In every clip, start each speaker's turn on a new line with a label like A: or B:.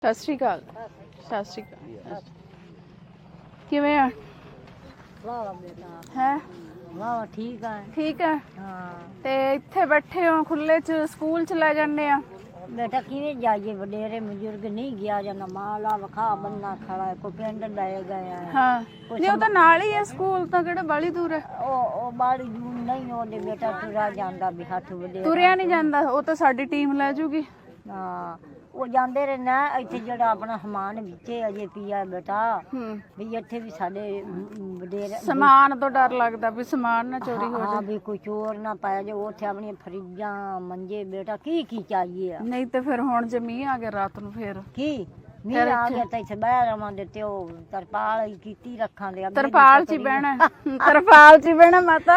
A: ਸਤਿ ਸ਼੍ਰੀ ਅਕਾਲ। ਸਤਿ ਸ਼੍ਰੀ ਅਕਾਲ। ਕਿਵੇਂ ਆ?
B: ਵਾਹ ਬੇਟਾ
A: ਹੈ
B: ਵਾਹ ਠੀਕ ਆ।
A: ਠੀਕ ਹੈ।
B: ਹਾਂ
A: ਤੇ ਇੱਥੇ ਬੈਠੇ ਹੋ ਖੁੱਲੇ ਚ, ਸਕੂਲ ਚ ਲੈ ਜਾਂਦੇ ਆ।
B: ਬੇਟਾ ਕਿਵੇਂ ਜਾਈਏ, ਵਡੇਰੇ ਬਜ਼ੁਰਗ ਨਹੀਂ ਗਿਆ ਜਾਂਦਾ, ਮਾਲਾ ਵਖਾ ਬੰਨਾ ਖੜਾ ਹੈ, ਕੋਈ ਪਿੰਡ ਲੈ ਗਿਆ ਹੈ।
A: ਹਾਂ ਨਹੀਂ, ਉਹ ਤਾਂ ਨਾਲ ਹੀ ਹੈ ਸਕੂਲ, ਤਾਂ ਕਿਹੜਾ ਬਾਲੀ ਦੂਰ ਹੈ।
B: ਉਹ ਬਾੜੀ ਦੂਰ ਨਹੀਂ, ਉਹਦੇ ਬੇਟਾ ਤੁਰਿਆ ਜਾਂਦਾ ਵੀ ਹੱਥ ਵਡੇਰੇ
A: ਤੁਰਿਆ ਨਹੀਂ ਜਾਂਦਾ, ਉਹ ਤਾਂ ਸਾਡੀ ਟੀਮ ਲੈ ਜੂਗੀ।
B: ਹਾਂ ਉਹ ਜਾਂਦੇ ਰਹੇ ਨਾ, ਇੱਥੇ ਜਿਹੜਾ ਆਪਣਾ ਸਮਾਨ ਵਿੱਚੇ ਅਜੇ ਪਿਆ ਬੇਟਾ, ਵੀ ਇੱਥੇ ਵੀ ਸਾਡੇ ਵਡੇਰੇ
A: ਸਮਾਨ ਤੋਂ ਡਰ ਲੱਗਦਾ ਵੀ ਸਮਾਨ ਨਾ ਚੋਰੀ ਹੋ
B: ਹਾਂ
A: ਜਾਏ।
B: ਵੀ ਕੋਈ ਚੋਰ ਨਾ ਪਾਇਆ ਜੇ, ਉੱਥੇ ਆਪਣੀਆਂ ਫਰਿੱਜਾਂ ਮੰਜੇ ਬੇਟਾ ਕੀ ਚਾਹੀਏ ਆ।
A: ਨਹੀਂ ਤੇ ਫਿਰ ਹੁਣ ਜੇ ਮੀਂਹ ਆ ਗਿਆ ਰਾਤ ਨੂੰ ਫੇਰ
B: ਕੀ ਮੀਂਹ ਆ ਗਿਆ ਤਾਂ ਇੱਥੇ ਬਹਿ ਰਵਾਂਗੇ, ਤੇ ਉਹ ਤਰਪਾਲ ਹੀ ਕੀਤੀ ਰੱਖਾਂਗੇ।
A: ਤਰਪਾਲ ਚ ਹੀ ਬਹਿਣਾ, ਤਰਪਾਲ ਚ ਹੀ ਬਹਿਣਾ ਮਾਤਾ।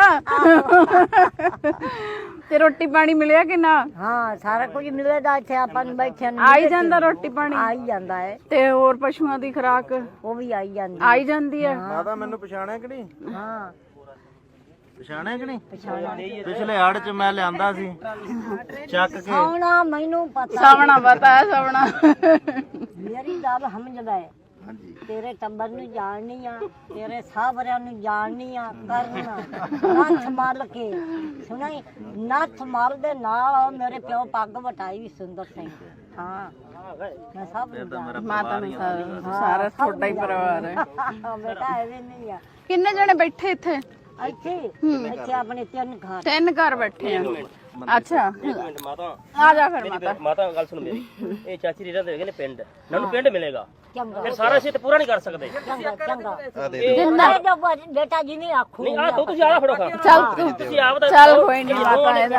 A: ਤੇ ਰੋਟੀ ਪਾਣੀ ਮਿਲਿਆ ਕਿ ਨਾ?
B: ਹਾਂ ਸਾਰਾ ਕੁਝ ਮਿਲੇਗਾ ਇੱਥੇ, ਆਪਾਂ ਨੂੰ ਬੈਠਿਆਂ ਨੂੰ
A: ਆਈ ਜਾਂਦਾ ਰੋਟੀ ਪਾਣੀ?
B: ਆਈ ਜਾਂਦਾ ਹੈ।
A: ਤੇ ਹੋਰ ਪਸ਼ੂਆਂ ਦੀ ਖੁਰਾਕ
B: ਉਹ ਵੀ ਆਈ ਜਾਂਦੀ
A: ਆਈ ਜਾਂਦੀ ਹੈ।
C: ਮਾਤਾ ਮੈਨੂੰ ਪਛਾਣਿਆ ਕਿ ਨਹੀਂ?
B: ਹਾਂ
C: ਪਛਾਣਿਆ ਕਿ ਨਹੀਂ?
B: ਪਛਾਣਿਆ।
C: ਪਿਛਲੇ ਹੜ ਚ ਮੈਂ ਲਿਆਂਦਾ ਸੀ ਚੱਕ ਕੇ।
B: ਸੌਣਾ ਮੈਨੂੰ ਪਤਾ,
A: ਸਵਣਾ ਪਤਾ ਹੈ, ਸਵਣਾ।
B: ਮੇਰੀ ਗੱਲ ਸਮਝਦਾ ਹੈ। ਤੇਰੇ ਟੱਬਰ ਨੂੰ ਜਾਣਨੀ ਆ, ਤੇਰੇ ਸਾਹਬਰਿਆਂ ਨੂੰ ਜਾਣਨੀ ਆ, ਕਰਨਾ ਨੱਥ ਮਲ ਕੇ ਸੁਣਾਈ, ਨੱਥ ਮਲ ਦੇ ਨਾਲ ਮੇਰੇ ਪਿਓ ਪੱਗ ਵਟਾਈ ਵੀ ਸੁੰਦਰ ਸਿੰਘ। ਹਾਂ ਮੈਂ ਸਭ ਨੂੰ ਜਾਣਦੀ।
A: ਮਾਤਾ ਨੂੰ ਸਾਰਾ ਤੁਹਾਡਾ ਹੀ ਪਰਿਵਾਰ ਹੈ।
B: ਬੇਟਾ ਐਵੇਂ ਨਹੀਂ ਆ।
A: ਕਿੰਨੇ ਜਣੇ ਬੈਠੇ ਇੱਥੇ?
B: ਇੱਥੇ ਆਪਣੇ
A: ਤਿੰਨ ਘਰ ਬੈਠੇ ਆ। ਅੱਛਾ
D: ਮਾਤਾ
A: ਆ ਜਾ ਫਿਰ ਮਾਤਾ।
D: ਮਾਤਾ ਗੱਲ ਸੁਣ ਮੇਰੀ, ਇਹ ਚਾਚੀ ਰੀਰਾ ਦੇ ਹੈਗੇ ਨੇ ਪਿੰਡ, ਮੈਨੂੰ ਪਿੰਡ ਮਿਲੇਗਾ,
B: ਚੰਗਾ
D: ਫਿਰ ਸਾਰਾ ਅਸੀਂ ਤੇ ਪੂਰਾ ਨਹੀਂ ਕਰ ਸਕਦੇ।
B: ਚੰਗਾ
A: ਜਿੰਦਾ
B: ਬੇਟਾ ਜੀ ਨੇ ਆਖੋ
D: ਨਹੀਂ ਆ ਤੂੰ ਤੁਸੀਂ ਆਲਾ ਫੜੋ ਖਾ,
A: ਚੱਲ
D: ਤੁਸੀਂ ਆਪ ਦਾ
A: ਚੱਲ ਕੋਈ ਨਹੀਂ ਮਾਤਾ ਇਹਦਾ।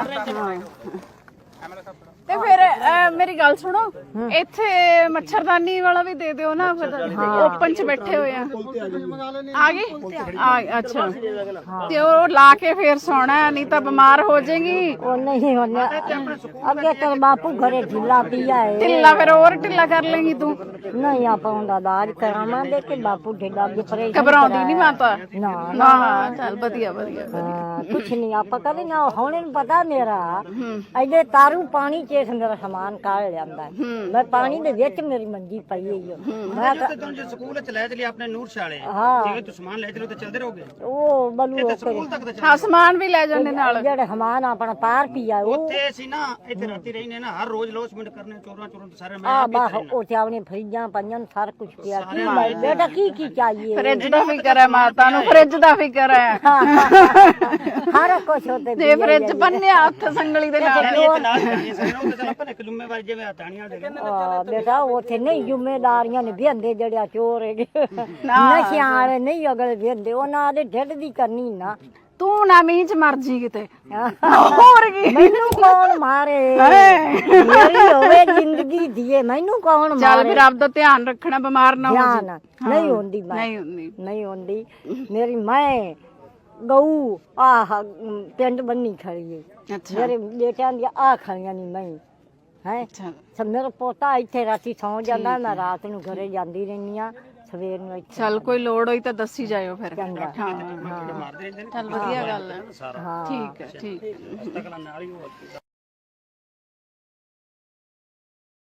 A: ਤੇ ਫਿਰ ਮੇਰੀ ਗੱਲ ਸੁਣੋ, ਇੱਥੇ ਮੱਛਰਦਾਨੀ ਵਾਲਾ ਵੀ ਦੇ ਦਿਓ ਨਾ, ਫਿਰ ਓਪਨ ਚ ਬੈਠੇ ਹੋਏ ਆ। ਆ ਗਏ? ਅੱਛਾ ਤੇ ਉਹ ਲਾ ਕੇ ਫੇਰ ਸੌਣਾ, ਨਹੀਂ ਤਾਂ ਬਿਮਾਰ ਹੋ ਜਾਏਗੀ।
B: ਉਹ ਨਹੀਂ ਹੋਣਾ, ਅੱਗੇ ਤੇਰੇ ਬਾਪੂ ਘਰੇ ਢਿੱਲਾ ਪਿਆ ਹੈ।
A: ਢਿੱਲਾ ਫਿਰ ਹੋਰ ਢਿੱਲਾ ਕਰ ਲੇਗੀ ਤੂੰ।
B: ਨਹੀਂ ਆਪਾਂ ਉਹਦਾ ਇਲਾਜ ਕਰਾਵਾਂਗੇ ਕਿ ਬਾਪੂ ਢਿੱਲਾ ਵੀ ਪਰੇਸ਼ਾਨ
A: ਘਬਰਾਉਂਦੀ ਨਹੀਂ ਮਾਤਾ?
B: ਨਾ
A: ਨਾ ਚੱਲ ਵਧੀਆ ਵਧੀਆ।
B: ਹਾਂ ਕੁਛ ਨਹੀਂ ਆਪਾਂ ਕਦੇ ਨਾ, ਹੁਣ ਇਹਨੂੰ ਪਤਾ ਮੇਰਾ ਇਹਦੇ ਤਾਰੂ ਪਾਣੀ ਚ ਮੇਰਾ ਸਮਾਨ ਕਾੜ ਲਿਆਂਦਾ। ਮੈਂ ਪਾਣੀ ਦੇ ਵਿੱਚ ਮੇਰੀ ਮੰਜੀ ਪਈ ਹੋਈ ਆ। ਮੈਂ
E: ਤੂੰ ਜੇ ਸਕੂਲ ਚ ਲੈ ਚਲੀ ਆਪਣੇ ਨੂਰ ਸ਼ਾਲੇ,
B: ਹਾਂ
E: ਜਿਵੇਂ ਤੂੰ ਸਮਾਨ ਲੈ ਚਲੋ ਤੇ ਚੱਲਦੇ ਰਹੋਗੇ
B: ਉਹ ਬਲੂ
E: ਸਕੂਲ ਤੱਕ ਤਾਂ
A: ਹਾਂ ਸਮਾਨ ਵੀ ਲੈ ਜਾਂਦੇ ਨਾਲ।
B: ਜਿਹੜੇ ਸਮਾਨ ਆਪਣਾ ਪਾਰ ਪੀਆ ਉਹ
E: ਉੱਥੇ ਅਸੀਂ ਨਾ ਇੱਥੇ ਰਾਤੀ ਰਹਿਨੇ ਨਾ, ਹਰ ਰੋਜ਼ ਲੋਸਮੈਂਟ ਕਰਨੇ, ਚੋਰਾਂ ਤੇ ਸਾਰੇ ਮੈਂ
B: ਆ ਬਾਹ ਉਹ ਚਾਵਣੀ ਫਰਿੱਜਾਂ ਪੰਜਾਂ ਸਾਰਾ ਕੁਝ ਪਿਆ। ਕੀ ਬੇਟਾ ਕੀ ਚਾਹੀਏ?
A: ਫਰਿੱਜ ਦਾ ਫਿਕਰ ਹੈ ਮਾਤਾ ਨੂੰ, ਫਰਿੱਜ ਦਾ ਫਿਕਰ ਹੈ।
B: ਹਰ ਕੁਝ ਹੋਤੇ
A: ਤੇ ਫਰਿੱਜ ਬੰਨਿਆ ਹੱਥ ਸੰਗਲੀ ਦੇ ਨਾਲ।
E: ਨਾਲ ਜਾਣੀ ਸਾਰੇ ਉਹ ਤੇ ਆਪਾਂ ਇੱਕ ਜ਼ਿੰਮੇਵਾਰੀ ਜਿਵੇਂ ਹਟਾਣੀਆਂ ਦੇ
B: ਬੇਟਾ ਉੱਥੇ ਨਹੀਂ ਜ਼ਿੰਮੇਦਾਰੀਆਂ ਨੇ ਵਿਹੰਦੇ ਜਿਹੜੇ ਚੋਰ ਹੈਗੇ ਨਸ਼ਿਆਂ ਵਾਲੇ ਨਹੀਂ ਅਗਲੇ ਵਿਹੰਦੇ, ਉਹਨਾਂ ਦੇ ਢਿੱਡ ਦੀ ਕਰਨੀ ਨਾ।
A: ਤੂੰ ਨਾ ਮੀਂਹ ਚ ਮਰ ਜੀ ਕਿਤੇ, ਹੋਰ ਕੀ।
B: ਮੈਨੂੰ ਕੌਣ ਮਾਰੇ, ਮੇਰੀ ਹੋਵੇ ਜ਼ਿੰਦਗੀ ਦੀਏ, ਮੈਨੂੰ ਕੌਣ ਮਾਰੇ।
A: ਚੱਲ ਫਿਰ ਆਪਦਾ ਧਿਆਨ ਰੱਖਣਾ, ਬਿਮਾਰ ਨਾ ਹੋ
B: ਧਿਆਨ
A: ਜਾ।
B: ਨਹੀਂ ਹੁੰਦੀ ਮੈਂ
A: ਨਹੀਂ ਹੁੰਦੀ।
B: ਨਹੀਂ ਹੁੰਦੀ ਮੇਰੀ ਮੈਂ ਗਊ ਆਹ ਪਿੰਡ ਬੰਨੀ ਖੜੀ ਹੈ।
A: ਅੱਛਾ
B: ਮੇਰੇ ਬੇਟਿਆਂ ਦੀਆਂ ਆ ਖੜੀਆਂ ਨਹੀਂ ਮੈਂ ਹੈ।
A: ਅੱਛਾ
B: ਮੇਰਾ ਪੋਤਾ ਇੱਥੇ ਰਾਤੀ ਸੌਂ ਜਾਂਦਾ, ਮੈਂ ਰਾਤ ਨੂੰ ਘਰੇ ਜਾਂਦੀ ਰਹਿੰਦੀ ਆ, ਸਵੇਰ ਨੂੰ ਇੱਥੇ।
A: ਚੱਲ ਕੋਈ ਲੋੜ ਹੋਈ ਤਾਂ ਦੱਸੀ ਜਾਇਓ ਫਿਰ।
B: ਚੰਗਾ।
A: ਹਾਂ
E: ਮਾਰਦੇ ਰਹਿੰਦੇ ਨੇ।
A: ਚੱਲ ਵਧੀਆ ਗੱਲ ਹੈ।
B: ਹਾਂ
A: ਠੀਕ ਹੈ ਠੀਕ ਹੈ।
E: ਤਕਲਾ ਨਾਲ ਹੀ ਉਹ